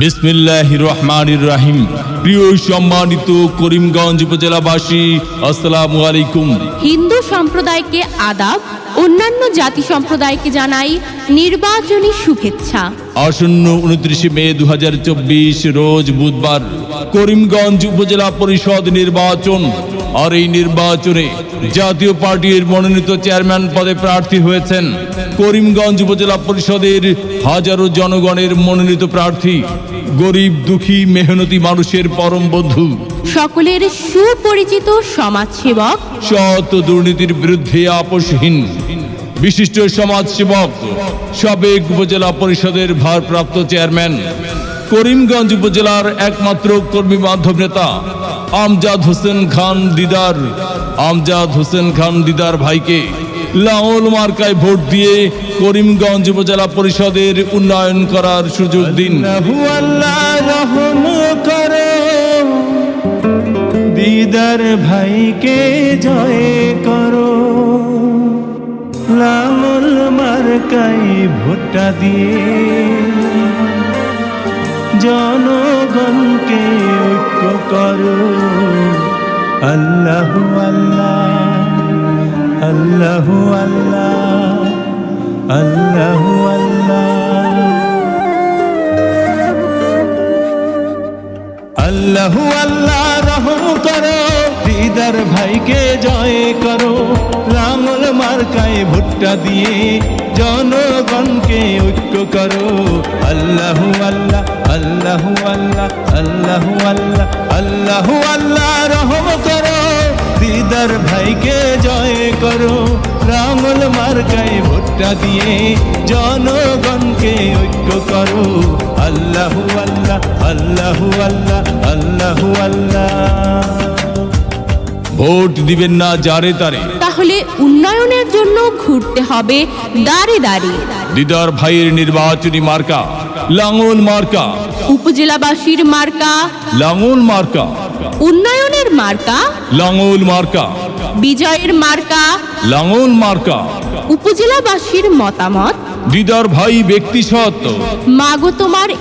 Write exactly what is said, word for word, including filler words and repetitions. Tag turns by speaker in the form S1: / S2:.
S1: বিসমিল্লাহির রহমানির রহিম। প্রিয় সম্মানিত করিমগঞ্জ উপজেলাবাসী, আসসালামু আলাইকুম।
S2: হিন্দু সম্প্রদায়কে আদাব, অন্যান্য জাতি সম্প্রদায়কে জানাই নির্বাচনী শুভেচ্ছা।
S1: আসন্ন উনত্রিশে মে দু হাজার চব্বিশ রোজ বুধবার করিমগঞ্জ উপজেলা পরিষদ নির্বাচন। আর এই নির্বাচনে জাতীয় পার্টির মনোনীত চেয়ারম্যান পদে প্রার্থী হয়েছেন করিমগঞ্জ উপজেলা পরিষদের হাজারো জনগণের মনোনীত প্রার্থী, গরিব দুঃখী মেহনতি মানুষের পরম বন্ধু,
S2: সকলের সুপরিচিত সমাজসেবক,
S1: সৎ দুর্নীতির বিরুদ্ধে আপোষহীন বিশিষ্ট সমাজসেবক, সাবেক উপজেলা পরিষদের ভারপ্রাপ্ত চেয়ারম্যান, করিমগঞ্জ উপজেলার একমাত্র কর্মী বান্ধব নেতা আমজাদ হোসেন খান দিদার আমজাদ হোসেন খান দিদার ভাইকে লাঙল মার্কায় ভোট দিয়ে করিমগঞ্জ উপজেলা পরিষদের উন্নয়ন করার সুযোগ দিন।
S3: দিদার ভাইকে জয় করো, লাঙল মার্কায় ভোটটা দিয়ে জনগণকে ঐক্য করো। আল্লাহু আল্লাহ, আল্লাহু আল্লাহ, আল্লাহু আল্লাহ, আল্লাহু আল্লাহ রহম করো, দিদার ভাইকে জয় করো, লাঙল মার্কায় ভুট্টা দিয়ে জনগণকে ঐক্য করো। আল্লাহু আল্লাহ, আল্লাহু আল্লাহ, আল্লাহু আল্লাহ, আল্লাহু আল্লাহ রহম করো, দিদার ভাইকে জয় করো, লাঙল মার্কায় ভুট্টা দিয়ে জনগণকে ঐক্য করো। আল্লাহু আল্লাহ, আল্লাহু আল্লাহ, আল্লাহু আল্লাহ।
S1: ভোট দিবেন না যারে তারে,
S2: তাহলে উন্নয়নের জন্য ঘুরতে হবে দাঁড়ে দাঁড়ে।
S1: দিদার ভাইয়ের নির্বাচনী মার্কা লাঙল মার্কা,
S2: উপজেলাবাসীর মার্কা
S1: লাঙল মার্কা,
S2: উন্নয়নের মার্কা,
S1: লাঙল মার্কা,
S2: বিজয়ের মার্কা,
S1: লাঙল মার্কা।
S2: উপজেলাবাসীর মতামত,
S1: দিদার ভাই ব্যক্তি সত্য,
S2: মাগো তোমার